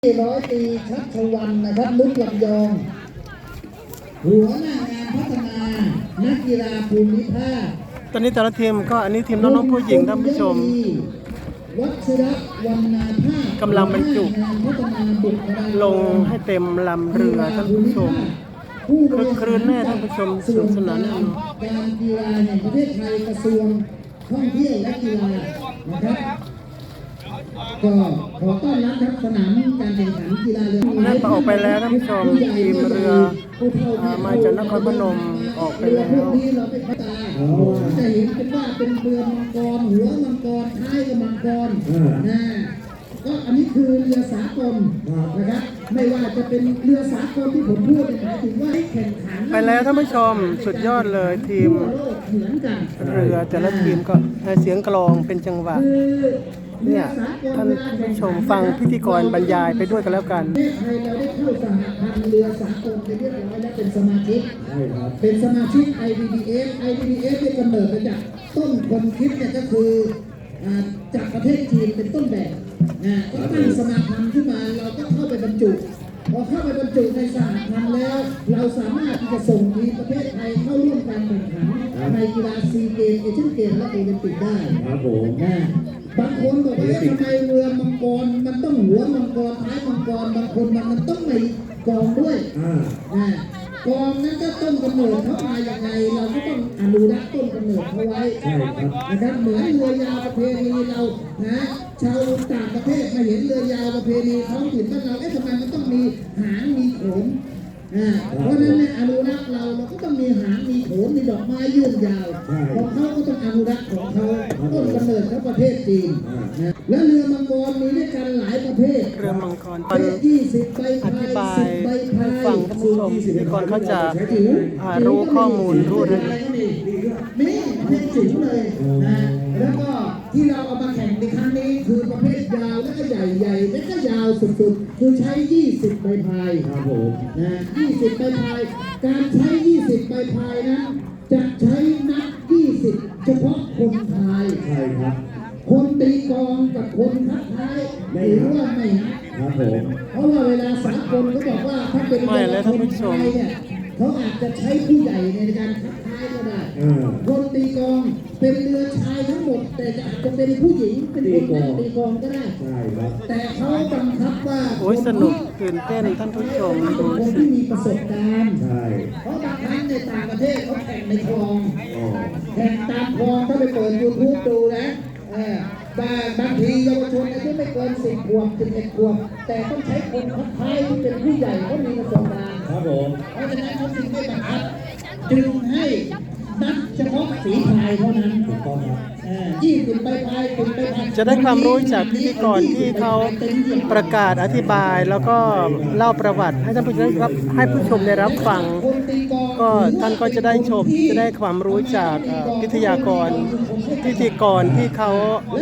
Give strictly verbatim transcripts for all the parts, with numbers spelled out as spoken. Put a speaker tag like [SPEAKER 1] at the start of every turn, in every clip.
[SPEAKER 1] ร้อยตรีชัชวันนะครับนุชลำยองหัวหน้างานพัฒนานักกีฬาภูมิภาค
[SPEAKER 2] ตอนนี้แต่ละทีมก็อันนี้ทีมน้องๆผู้หญิงท่านผู้ชม
[SPEAKER 1] วัชรวรรณาภาค
[SPEAKER 2] กำลังบรรจุลงให้เต็มลำเรือท่านผู้ชมคึกครื้นแน่ท่านผู้ชมสนุกสนานแน่นอน
[SPEAKER 1] การกีฬาแห่งประเทศไทยกระทรวงท่องเที่ยวและกีฬานะครับก็ขอต้อนรับครับสนามการแข่งขันกีฬาเรือ
[SPEAKER 2] นั่นออกไปแล้วท่านผู้ชมทีมเรือมาจากนครพนมออกไปแล้ว
[SPEAKER 1] เราไปตาจะเห็นเป็นว่าเป็นเรือมังกรหัวมังกรท้ายกับมังกรนะก็อันนี้คือเรือสากลนะครับไม่ว่าจะเป็นเรือสากลที่ผมพูดหมายถึงว่าแข่งขัน
[SPEAKER 2] ไปแล้วท่านผู้ชมสุดยอดเลยทีมเรือแต่ละทีมก็เสียงกลองเป็นจังหวะเนี่ยท่านผู้ชมฟังพิธีกรบรรยายไปด้วยกันแล้วกัน
[SPEAKER 1] ไทยเราได้เข้าสหพันธ์เรือสากลไปเรียบร้อยและเป็นสมาชิกเป็นสมาชิก ไอ ดี ดี เอฟ ไอ ดี ดี เอฟ ได้กำเนิดมาจากต้นคนคิดเนี่ยก็คือจากประเทศจีนเป็นต้นแบบนะก็ตั้งสมาพันธ์ขึ้นมาเราก็เข้าไปบรรจุพอเข้าไปบรรจุในสหพันธ์แล้วเราสามารถที่จะส่งทีมประเทศไทยเข้าร่วมการแข่งขันในกีฬาซีเกมเอเชียนเกมและโอลิมปิกได้
[SPEAKER 3] ครับผม
[SPEAKER 1] นะบางคนบอกว่าทำไมเรือมังกรมันต้องหัวมังกรท้ายมังกรบางคนมันมันต้องมีกองด้วยนะกองนั้นก็ต้นกำเนิดเขามาอย่างไรเราก็ต้องอนุรักษ์ต้นกำเนิดเขาไว้นะครับเหมือนเรือยาวประเพณีเรานะชาวต่างประเทศมาเห็นเรือยาวประเพณีท้องถิ่นบ้านเราเอ๊ะทำไมมันต้องมีหางมีโขนเพราะนั้นในอนุรักษ์เราเราก็ต้องมีหางมีโขนมีดอกไม้ยื่นยาวของเขาก็ต้องอนุรักษ์ของเขาต้นกำเนิดเขาประเทศจีนนะและเรือมังกรมีด้วยกันหลายประเภท
[SPEAKER 2] เรือมังกรตอนอธิบายให้ฟังท่านผู้ชมพิธีกรเขาจะรู้ข้อมูลรู้เรื่อง
[SPEAKER 1] นี่ประเภทจิ๋วเลยนะแล้วก็ที่เราเอามาแข่งในครั้งนี้คือประเภทยาวและก็ใหญ่ใหญ่และก็ยาวสุดๆคือใช้ยี่สิบใบพาย
[SPEAKER 3] ครับผม
[SPEAKER 1] นะยี่สิบใบพายการใช้ยี่สิบใบพายนั้นจะใช้นับยี่สิบเฉพาะคนพาย
[SPEAKER 3] ใช่ครับ
[SPEAKER 1] คนตีกองกับคนคัดท้ายหรือว่าไม่
[SPEAKER 3] ครับผม
[SPEAKER 1] เพราะว่าเวลาสากลเขาบอกว่าถ้าเป็นคนพายเนี่ยเขาอาจจะใช้ผู้ใหญ่ในการคัดท้ายก็ได้คนตีกองเป็นเรือชายทั้งหมดแต่อาจจะเป็นผู้หญิงเป็นคนตีกองก็ได้แต่เขาบังคับว่า
[SPEAKER 2] โอ้ยสนุกตื่นเต้นท่านผู้ชมดู
[SPEAKER 1] คนที่มีประสบการณ์
[SPEAKER 3] ใช่
[SPEAKER 1] เพราะบางครั้งในต่างประเทศเขาแข่งในคลองแข่งตามคลองถ้าไปเปิดยูทูบดูนะบางบางทีเยาวชนอายุไม่เกินสิบขวบสิบเอ็ดขวบแต่ต้องใช้คนคัดท้ายที่เป็นผู้ใหญ่เขามีประสบการณ์
[SPEAKER 3] ครับผม
[SPEAKER 1] เพราะฉะนั้นเขาจึงไม่บังคับจึงให้นักเฉพาะฝีพายเท่านั้น
[SPEAKER 3] ถูกต้องครับ
[SPEAKER 1] ยี่สิบใบพายสิบใบพาย
[SPEAKER 2] จะได้ความรู้จากพิธีกรที่เขาประกาศอธิบายแล้วก็เล่าประวัติให้ท่านผู้ชมรับให้ผู้ชมได้รับฟังก็ท่านก็จะได้ชมจะได้ความรู้จากวิทยากรพิธีกรที่เขา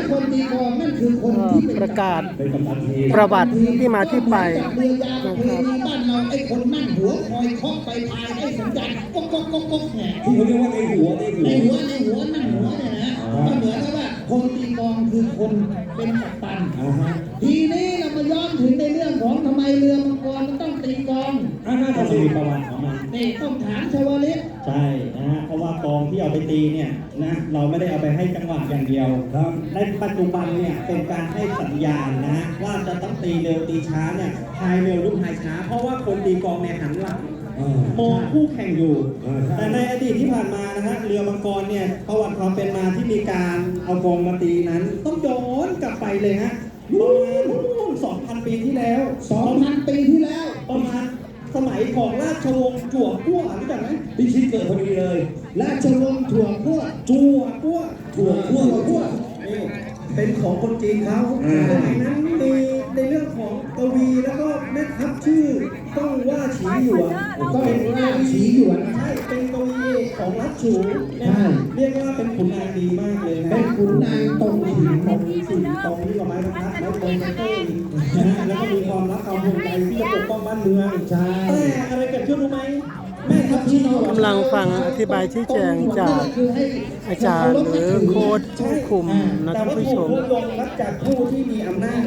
[SPEAKER 2] ประกาศประวัติที่มาที่ไป
[SPEAKER 1] นะครับบ้านเราไอ้คนนั่งหัวคอยเคาะไปพายให้สัญญาณก๊กก๊กก๊กก๊กแหม
[SPEAKER 3] ที่เขาเรียกว่าในหัว
[SPEAKER 1] ในหัวในหัวนั่งหัวเนี่ยนะก็เหมือนกับว่าคนตีกองคือคนเป็นกัปตันทีนี้เรามาย้อนถึงในเรื่องของทำไมเรือมังกรมันต้องตีกอง
[SPEAKER 3] น่าจะมีประวัติของมัน
[SPEAKER 1] นี่ต้องถามชาวลิศ
[SPEAKER 3] ใช่นะฮะเพราะว่ากองที่เอาไปตีเนี่ยนะเราไม่ได้เอาไปให้จังหวะอย่างเดียวครับในปัจจุบันเนี่ยเป็นการให้สัญญาณนะว่าจะต้องตีเร็วตีช้าเนี่ยพายเร็วหรือพายช้าเพราะว่าคนตีกองเนี่ยหันหลังมองคู่แข่งอยู่แต่ในอดีตที่ผ่านมานะฮะเรือมังกรเนี่ยประวัติความเป็นมาที่มีการเอากองมาตีนั้นต้องย้อนกลับไปเลยฮะประมาณสองพันปีที่แล้ว
[SPEAKER 1] สองพันปีที่แล้ว
[SPEAKER 3] ประมาณสมัยของราชวงศ์จั่วกั้วรู้จักไหมที่ชิดเกิดพอดีเลย
[SPEAKER 1] ราชวงศ์จั่วกั้ว
[SPEAKER 3] จั่วกั้วจั่วกั้วกั้วนี่เป็นของคนจีนเขาสมัยนั้นมีในเรื่องของกวีแล้วก็แม่ทัพชื่อต้องว่าฉีหยวน
[SPEAKER 1] ก็เป็นว่าฉีหยวน
[SPEAKER 3] ใช่เป็นกวีของรัชฉูเรียกว่าเป็นขุนนางดีมากเลยนะ
[SPEAKER 1] เป็นขุนนางตรงหิน
[SPEAKER 3] ตรงสิ่งตรงที่กับไม้บรรทัดแล้วตรงเต้นนะแล้วก็มีความรักความห่วงใยที่จะปกป้องบ้านเมือง
[SPEAKER 1] ใช่
[SPEAKER 3] แต่อะไรเกิดขึ้นรู้ไหมแม่ทัพชี
[SPEAKER 2] กำลังฟังอธิบายชี้แจงจากอาจารย์หรือโค้ชผู้คุมนะท่านผู้ชม
[SPEAKER 3] ลงรับจากผู้ที่มีอำนาจ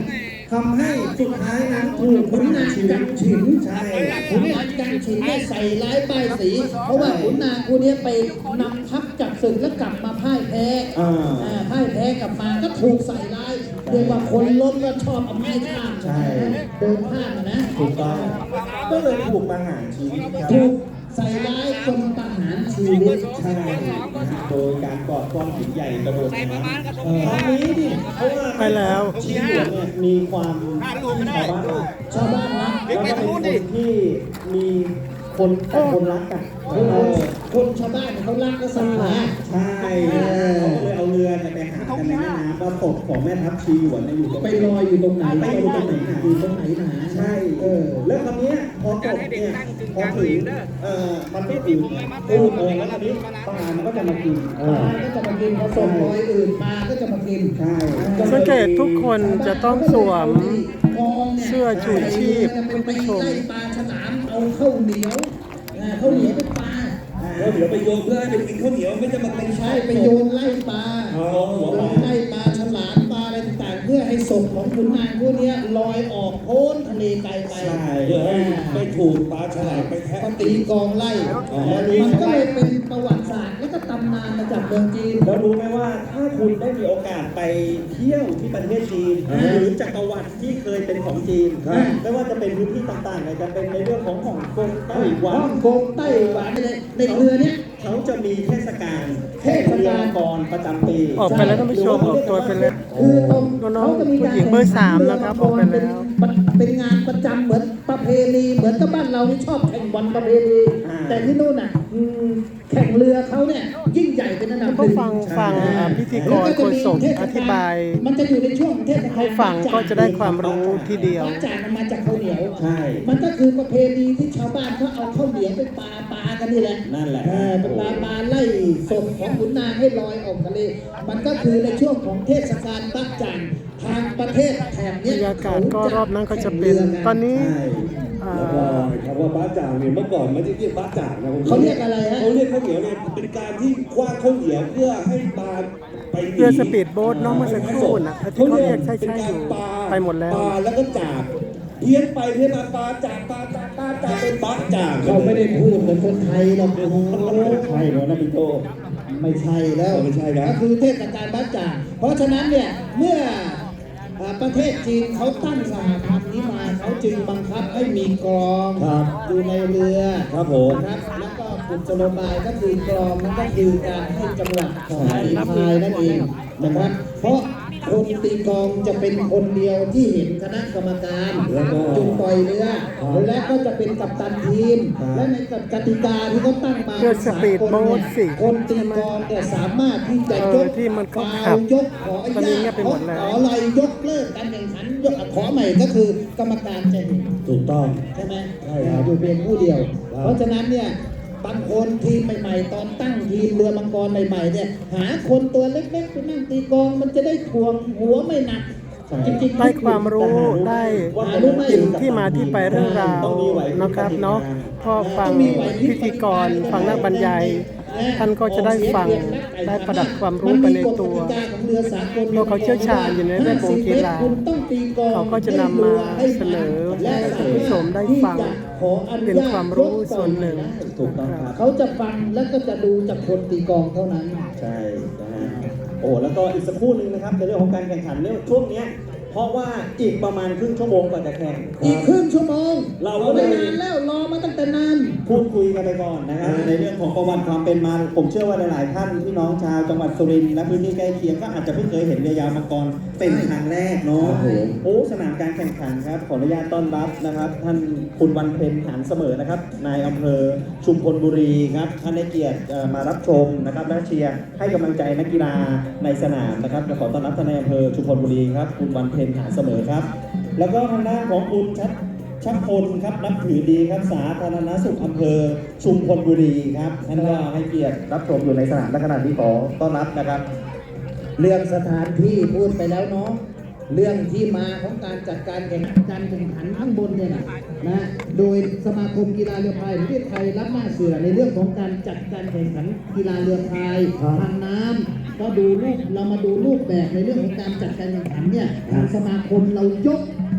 [SPEAKER 3] ทำให้สุดท้ายนั้นถูก
[SPEAKER 1] ขุนนางกันฉิน
[SPEAKER 3] ใช่
[SPEAKER 1] ขุนนางกันฉินได้ใส่ร้ายป้ายสี เพราะว่าขุนนางคนนี้ไปนำทัพจับศึกแล้วกลับมาพ่ายแพ้
[SPEAKER 3] อ่า
[SPEAKER 1] อ่าพ่ายแพ้กลับมาก็ถูกใส่ร้ายเรียกว่าคนล้มก็ชอบเอาไม้ข้าม
[SPEAKER 3] ใช่
[SPEAKER 1] เดินข้ามอะนะ
[SPEAKER 3] ถูกต้องก็เลยถูกประหารชีวิตครับ
[SPEAKER 1] ถูกใส่ร้ายจนประหารชีวิต
[SPEAKER 3] ใช่โดยการกอดก้อนหินใหญ่กระโดดน้ำเออตอนนี้ดิเพราะว่า
[SPEAKER 2] ไปแล้ว
[SPEAKER 3] ชีวิตเนี่ยมีความชาวบ้าน
[SPEAKER 1] ชาวบ้านนะ
[SPEAKER 3] แล้วก็เป็นคนที่มีคนแต่คนรักกัน
[SPEAKER 1] คน
[SPEAKER 3] เออ
[SPEAKER 1] คนชาวบ้านเนี่ยเขารักก็ศรัทธา
[SPEAKER 3] ใช่เขาก็เลยเอาเรือเนี่ยไปหากันในแม่น้ำว่าศพของแม่ทัพชีหยวนเนี่ยอยู่ตรง
[SPEAKER 1] ไปลอยอยู่ตรงไหน
[SPEAKER 3] ไปอยู่ตรงไหนหา
[SPEAKER 1] อยู่ตรงไหนหนา
[SPEAKER 3] ใช่เออแล้วคราวเนี้ยพอตกเนี่ยพอถึงเอ่อมันก็อืดอืดเออแล้วคราวนี้ปลามันก็จะมากิน
[SPEAKER 1] ปลาก็จะมากินพอส่งลอยอื่นปลาก็จะมากิน
[SPEAKER 3] ใช่
[SPEAKER 2] สังเกตทุกคนจะต้องสวมเสื้อชูชีพคุณผู้ชม
[SPEAKER 1] ไล่ปลาฉลามเอาข้าวเหนียวอ่าข้าวเหนียวเป็นปลา
[SPEAKER 4] แล้วเดี๋ยวไปโยนเพื่อให้ไปกินข้าวเหนียวไม่จะมาเป็น
[SPEAKER 1] ใช่ไปโยนไล่ปลา
[SPEAKER 4] อ๋อหัวปลา
[SPEAKER 1] ไล่ปลาฉลามปลาอะไรต่างๆ เพื่อให้ศพของขุนนางพวกเนี้ยลอยออกโพ้นทะเลไกลไป
[SPEAKER 3] ใช่
[SPEAKER 4] เพื่อให้ไม่ถูกปลาฉลามไปแทะ
[SPEAKER 1] ก็ตีกองไล่
[SPEAKER 4] อ๋อ
[SPEAKER 1] มันก็เลยเป็นประวัติศาสตร์และก็ตำนานมาจากเมืองจีน
[SPEAKER 3] แล้วรู้ไหมว่าถ้าคุณได้มีโอกาสไปเที่ยวที่ประเทศจีน
[SPEAKER 1] อ่า
[SPEAKER 3] หรือจักรวรรดิที่เคยเป็นของจีน
[SPEAKER 1] ครับ
[SPEAKER 3] ไม่ว่าจะเป็นพื้นที่ต่างๆอาจจะเป็นในเรื่องของฮ่องกงไต้หวั
[SPEAKER 1] ฮ่
[SPEAKER 3] น
[SPEAKER 1] องกงไต้หวันในในเรือเนี้ย
[SPEAKER 3] เขาจะมีเทศกาล
[SPEAKER 1] เทศกาล
[SPEAKER 3] เรือกรประจำปี
[SPEAKER 2] ออกไปแล้วท่านผู้ชมออกตัวไปแล้ว
[SPEAKER 1] คือตรง
[SPEAKER 2] น้อง
[SPEAKER 1] เขาจะมีการ
[SPEAKER 2] ผู้หญิงเบอร์สามนะครับออกไปแล้ว
[SPEAKER 1] เป็นเป็นงานประจำเหมือนประเพณีเหมือนกับบ้านเราที่ชอบแข่งบอลประเพณีแต่ที่นู่นน่ะอืมแข่งเรือเขาเนี่ยยิ่งใหญ่เป็นอันดับห
[SPEAKER 2] ก็
[SPEAKER 1] นึ่ง
[SPEAKER 2] ฟังฟังอ่าพิธีกรโฆษกอธิบาย
[SPEAKER 1] มันจะอยู่ในช่วงเทศกาล
[SPEAKER 2] ให้ฟังก็จะได้ความรู้ทีเดียว
[SPEAKER 1] บ้านจากมันมาจากข้าวเหนียว
[SPEAKER 3] ใช่
[SPEAKER 1] มันก็คือประเพณีที่ชาวบ้านเขาเอาข้าวเหนียวไปปาปากันนี่แหละ
[SPEAKER 3] นั่นแหละ
[SPEAKER 1] เออเป็นปลาปลาไล่ศพของขุนนางให้ลอยออกทะเล มันก็คือในช่วงของเทศกาลบักจันทางประเทศแถบบ
[SPEAKER 2] ร
[SPEAKER 1] เนี้ย
[SPEAKER 2] รยากาศก็รอบนั้นก็จะเป็นตอนนี้
[SPEAKER 3] ใช่
[SPEAKER 2] อ่า
[SPEAKER 4] แล้วก็คำว่าบ้าจ่างเนี่ยเมื่อก่อนไม่ได้เรียกบ้าจ่างนะผม
[SPEAKER 1] เขาเรียกอะไรฮะ
[SPEAKER 4] เขาเรียกข้าวเหนียวเนี่ยเป็นการที่คว้างข้าวเหนียวเพื่อให้ปลาไปหนี
[SPEAKER 2] เรือสปีดโบ๊ทเน้องเมื่อสักครู่นะที่เขาเรียกใช่ๆอยู่ไปหมดแล้ว
[SPEAKER 4] ปลาแล้วก็จ่าเพี้ยนไปเพี้ยนมาปลาจ่าปลาจ่าปลาจ่าเป็นบ้าจ่าง
[SPEAKER 1] เขาไม่ได้พูดเหมือนคนไทยหรอกโอ้โห
[SPEAKER 3] ใช่เหรอนะพี่โต
[SPEAKER 1] ไม่ใช่แล้ว
[SPEAKER 4] ไม่ใช่นะ
[SPEAKER 1] ก็คือเทศกาลบักจันเพราะฉะนั้นเนี่ยเมื่ออ่าประเทศจีนเขาตั้งสหพันธ์นี้มาเขาจึงบังคับให้มีกรอง
[SPEAKER 4] ครับ
[SPEAKER 1] อยู่ในเรือ
[SPEAKER 4] ครับผม
[SPEAKER 1] นะครับแล้วก็กุศโลบายก็คือกรองนั่นก็คือการให้จังหวะของตีพายนั่นเองนะครับ เพราะคนตีกลองจะเป็นคนเดียวที่เห็นคณะกรรมการ
[SPEAKER 4] แล้วก็
[SPEAKER 1] จุดปล่อยเรือและก็จะเป็นกัปตันทีม และในกติกาที่เขาตั้งมา
[SPEAKER 2] เรือสปีดโบ๊ทสิ
[SPEAKER 1] คนตีกลองเนี่ยสามารถที่จะยก
[SPEAKER 2] เออที่มันก็
[SPEAKER 1] ฟา
[SPEAKER 2] ขั
[SPEAKER 1] ว
[SPEAKER 2] บ
[SPEAKER 1] ยกขออ
[SPEAKER 2] ตอนนี้
[SPEAKER 1] นุ
[SPEAKER 2] เงี
[SPEAKER 1] ญาย ต
[SPEAKER 2] บไปหมดแล้ว
[SPEAKER 1] ขออะไรยกเลิกการแข่งขันยกขอใหม่ก็คือกรรมการจะเห็น
[SPEAKER 4] ถูกต้อง
[SPEAKER 1] ใช่ไหม
[SPEAKER 4] ใช่ครับ
[SPEAKER 1] อยู่เพียงผู้เดียว
[SPEAKER 4] ครับ
[SPEAKER 1] เพราะฉะนั้นเนี่ยบางคนทีมใหม่ๆ ตอนตั้งทีมเรือมังกรใหม่ๆเนี่ยหาคนตัวเล็กๆไปนั่งตีกลองมันจะได้ถ่วงหัวไม่หนัก จริงๆ
[SPEAKER 2] ได้ความรู้ได้กินที่มาที่ไปเรื่องราวนะครับเนาะพอฟังพิธีกรฟังนักบรรยาย ท่านก็จะได้ฟังได้ประดับความรู้ไปในตัว เพราะเขาเชี่ยวชาญอยู่ในเรื่องของกีฬาเขาก็จะนำมาเสนอให้ท่านผู้ชมได้ฟังเป็นความรู้ส่วนหนึ่ง
[SPEAKER 3] ถูกต้องครับ
[SPEAKER 1] เขาจะฟังแล้วก็จะดูจากคนตีกลองเท่านั้น
[SPEAKER 3] ใช่นะฮะโอ้แล้วก็อีกสักครู่หนึ่งนะครับในเรื่องของการแข่งขันเนี่ยช่วงเนี้ยเพราะว่าอีกประมาณครึ่งชั่วโมงกว่าจะแข่ง
[SPEAKER 1] อีกครึ่งชั่วโมง
[SPEAKER 3] เราก็
[SPEAKER 1] ไม่
[SPEAKER 3] เลย
[SPEAKER 1] นานแล้วรอมาตั้งแต่นาน
[SPEAKER 3] พูดคุยกันไปก่อนนะครับในเรื่องของประวัติความเป็นมาผมเชื่อว่าหลายๆท่านพี่น้องชาวจังหวัดสุรินทร์และพื้นที่ใกล้เคียงก็อาจจะเพิ่งเคยเห็นเรือยาวมังกรเป็นครั้งแรกเนาะ
[SPEAKER 4] ครับผม
[SPEAKER 3] โอ้สนามการแข่งขันครับขออนุญาตต้อนรับนะครับ ท่านคุณวันเพ็ญหานเสมอนะครับนายอำเภอชุมพลบุรีครับท่านได้เกียรติเอ่อมารับชมนะครับและเชียร์ให้กำลังใจนักกีฬาในสนามนะครับขอต้อนรับท่านนายอำเภอชุมพลบุรีครับคุณวันเพ็ญหานเสมอครับ แล้วก็ทางด้านของคุณชัดชัดพลครับนับถือดีครับสาธารณสุขอำเภอชุมพลบุรีครับท่านก็ให้เกียรติรับชมอยู่ในสนามและขณะที่ขอต้อนรับนะครับ
[SPEAKER 1] เรื่องสถานที่พูดไปแล้วเนาะเรื่องที่มาของการจัดการแข่งขันการแข่งขันข้างบนเนี่ยนะนะโดยสมาคมกีฬาเรือพายแห่งประเทศไทยรับหน้าเสือในเรื่องของการจัดการแข่งขันกีฬาเรือพายทางน้ำก็ดูรูปเรามาดูรูปแบบในเรื่องของการจัดการแข่งขันเนี่ยทางสมาคมเรายก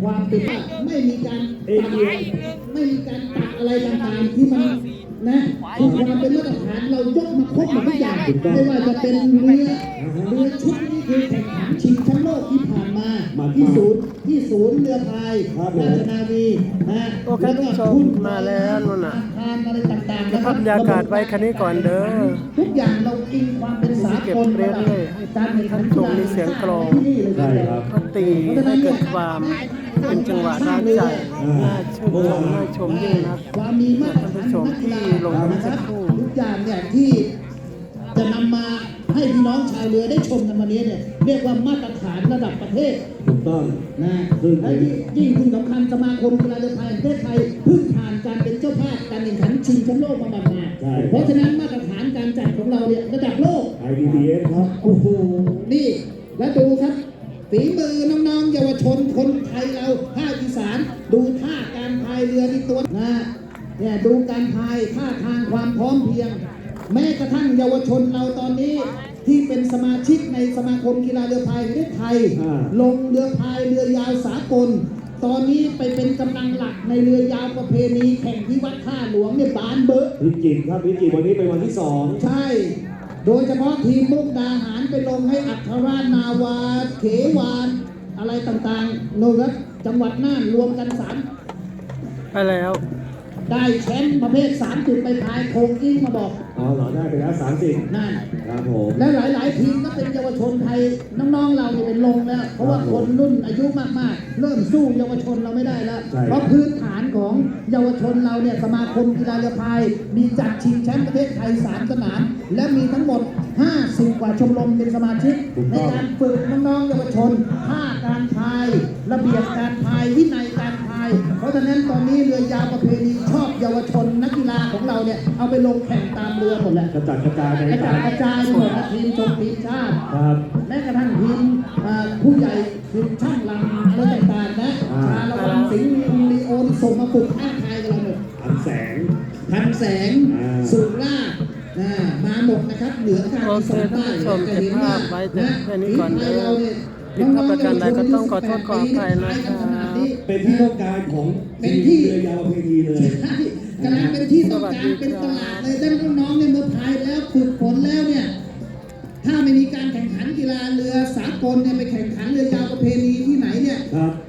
[SPEAKER 1] ความเป็นว่าไม่มีการตัดไม่มีการตัดอะไรต่างๆที่มันนะคือความเป็นมาตรฐานเรายกมาครบหมดทุกอย่างไม่ว่าจะเป็นเรือเรือชุดนี้คือแข่งขันชิงแชมป์โลกที่ผ่านมาที่ศูนย์ที่ศูนย์เรือพายราชนาวีนะ
[SPEAKER 2] โอเคท่านผู้ชมมาแล้วนู่นน่ะ
[SPEAKER 1] อาคารอะไรต่างๆ
[SPEAKER 2] เก็บบรรยากาศไว้คันนี้ก่อนเด้อ
[SPEAKER 1] ทุกอย่างเราอิงความเป็นสากล
[SPEAKER 2] เก็บเรื่อยๆ
[SPEAKER 1] การแข่งขัน
[SPEAKER 2] ชมมีเสียงกลอง
[SPEAKER 4] ใช่ครับ
[SPEAKER 2] ก็ตีให้เกิดความเป็นจังหวะน่าใจน่าชื่นชมน่าชมยิ่งนัก
[SPEAKER 1] ความมีมาตรฐาน
[SPEAKER 2] ท่านผู้ชมที่ลงกันเมื่อสักครู่
[SPEAKER 1] ทุกอย่างเนี่ยที่จะนำมาให้พี่น้องชาวเรือได้ชมกันวันนี้เนี่ยเรียกว่ามาตรฐานระดับประเทศ
[SPEAKER 4] ถูกต้อง
[SPEAKER 1] นะ
[SPEAKER 4] ซึ่ง
[SPEAKER 1] และที่ยิ่งที่สำคัญสมาคมกีฬาเรือพายแห่งประเทศไทยเพิ่งผ่านการเป็นเจ้าภาพการแข่งขันชิงแชมป์โลกมาบัดมา
[SPEAKER 4] ใช่
[SPEAKER 1] เพราะฉะนั้นมาตรฐานการจัดของเราเนี่ยระดับโลก
[SPEAKER 4] ไอ ดี บี เอส ครับ
[SPEAKER 1] โอ้โห นี่ แล้วดูครับฝีมือน้องๆเยาวชนคนไทยเราภาคอีสาน ดูท่าการพายเรือที่ตัวนะเนี่ยดูการพายท่าทางความพร้อมเพรียง แม้กระทั่งเยาวชนเราตอนนี้ที่เป็นสมาชิกในสมาคมกีฬาเรือพายแห่งประเทศไทย
[SPEAKER 4] อ่า
[SPEAKER 1] ลงเรือพายเรือยาวสากล ตอนนี้ไปเป็นกำลังหลักในเรือยาวประเพณีแข่งที่วัดท่าหลวงเนี่ยบานเบอะ
[SPEAKER 4] พิจิตรครับพิจิตรวันนี้เป็นวันที่สอง
[SPEAKER 1] ใช่ โดยเฉพาะทีมมุกดาหารไปลงให้อัครราชนาวา เขวานอะไรต่างๆโน่นครับจังหวัดน่านรวมกันสาม
[SPEAKER 2] ไปแล้ว
[SPEAKER 1] ได้แชมป์ประเภทสามจุดไปพายโคงกิ้งมาบอก
[SPEAKER 4] อ๋อเหรอได้ไปแล้วสามสิบ
[SPEAKER 1] นั่น
[SPEAKER 4] ครับผม
[SPEAKER 1] และหลายๆทีมก็เป็นเยาวชนไทยน้องๆเราเนี่ยเป็นลงแล้ว เพราะว่าคนรุ่นอายุมากๆ เริ่มสู้เยาวชนเราไม่ได้แล้ว เพราะพื้นฐานของเยาวชนเราเนี่ยสมาคมกีฬาเรือพายมีจัดชิงแชมป์ประเทศไทยสามสนามและมีทั้งหมดห้าสิบกว่าชมรมเป็นสมาชิกในการฝึกน้องๆเยาวชนท่าการพาย ระเบียบการพายวินัยการพาย เพราะฉะนั้นตอนนี้เรือยาวประเพณีชอบเยาวชนนักกีฬาของเราเนี่ยเอาไปลงแข่งตามเรือหมดแหละ
[SPEAKER 4] กระจัดกระจายใน
[SPEAKER 1] กระจา
[SPEAKER 4] ตาย
[SPEAKER 1] กระจายหมดนะทีมชมทีมชาติ
[SPEAKER 4] ครับ
[SPEAKER 1] แม้กระทั่งทีมอ่าผู้ใหญ่ทีมช่างลำอะไรต่างๆนะ
[SPEAKER 4] อ่า
[SPEAKER 1] ชาละวันสิงห์ลีโอนส่งมาฝึกท่าทายกับเราหมด
[SPEAKER 4] อันแสง
[SPEAKER 1] พันแสง
[SPEAKER 4] อ่า
[SPEAKER 1] สุราษฎร์อ่ามาหมดนะครับเหนือการ
[SPEAKER 2] โอ
[SPEAKER 1] อี
[SPEAKER 2] เค
[SPEAKER 1] สาน
[SPEAKER 2] ท่าน
[SPEAKER 1] ใต้
[SPEAKER 2] ผู้ชมเก็บภาพไว้แต่แค่นี้ก่อนเด้อผิดพลาดประการใดก็ต้องขอโทษขออภัยนะครับ
[SPEAKER 4] เป็นที่ต้องการของ
[SPEAKER 1] เป็นที่
[SPEAKER 4] เรือยาวประเพณีเลย
[SPEAKER 1] ใช่กำลังเป็นที่ต้องการเป็นตลาดเลยด้านน้องๆเนี่ยเมื่อพายแล้วฝึกฝนแล้วเนี่ย ถ้าไม่มีการแข่งขันกีฬาเรือสากลเนี่ยไปแข่งขันเรือยาวประเพณีที่ไหนเนี่ย
[SPEAKER 4] ครับ